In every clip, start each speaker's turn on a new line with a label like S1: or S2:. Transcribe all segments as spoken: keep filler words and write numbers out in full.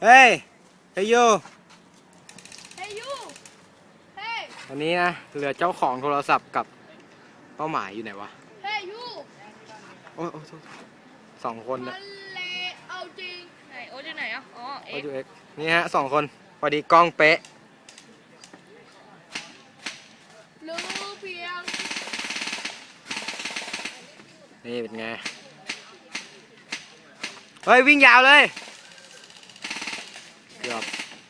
S1: เฮ้ยเฮ้ยยู
S2: เฮ้ยยูเฮ้ย
S1: วันนี้นะเหลือเจ้าของโทรศัพท์กับเป้าหมายอยู่ไหนวะ
S2: เฮ้ยยู
S1: โอ้ยโอ้ยสองคนนะ
S2: เลเอาจริงไหนโอ๊ตอยู่ไหนอ่ะอ๋อเอ็ก
S1: โอ้ยเอ็กนี่ฮะสองคนพอดีกล้องเป๊ะ
S2: รู้เพียง
S1: นี่เป็นไงเฮ้ยวิ่งยาวเลยเกือบ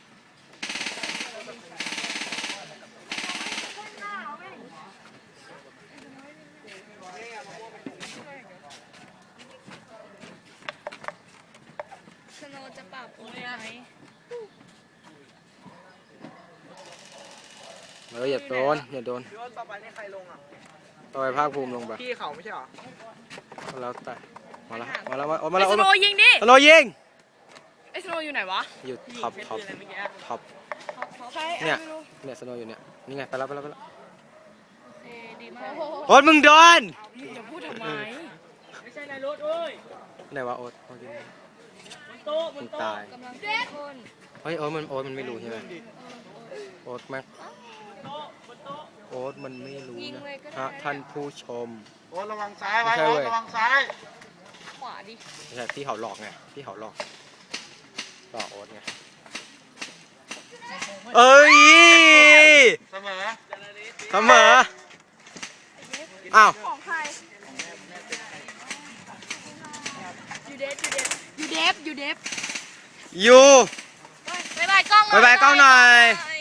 S2: สโนว์จะปรับโอ๊ตไหม
S1: เอออย่าโดนอย่าโดน
S3: พี่ว่าต่อไปนี่ใครลงอ่ะ
S1: ต่อไปภาคภูมิลงไป
S3: พี่เขาไม่ใช่หรอ
S1: แล้วแต่มาแล้วมาแล้วมาแล้ว
S2: ไอ้สโนว์ยิงดิ
S1: สโนยิง
S2: ไอ้สโนว์อยู่ไหนวะ
S1: อยู่ท็อปท็อปท็อปเนี่ยเนี่ยสโนอยู่เนี่ยนี่ไงไปแล้วไปแล้วไปแล้ว
S2: เอดีมาก
S1: โอ๊ตมึงโดน
S2: อย่าพูดทำไม
S3: ไม่ใช่ในรถเอ้ย
S1: ไหนวะโอ๊ตโอ๊ตยิง
S3: บนโต๊ะบนโต๊ะ
S1: ตาย
S2: กำลังเข้มข้น
S1: เฮ้ยโอ๊ตมันโอ๊ตมันไม่รู้ใช่ไหมโอ๊ตแม็กโอ๊ตมันไม่รู้นะท่านผู้ชม
S3: โอ้ระวังซ้ายไว้โอ้ระวังซ้าย
S2: ขวาดิ
S1: ไม่ใช่พี่เขาหลอกไงพี่เขาหลอกหลอกโอ๊ตไงเอ้ย
S3: เสมอ
S1: เสมออ้าว
S2: ของใครยูเดฟยูเดฟยูเดฟยูเดฟ
S1: ยู
S2: บายบายกล้อง
S1: บายบายกล้องหน่อย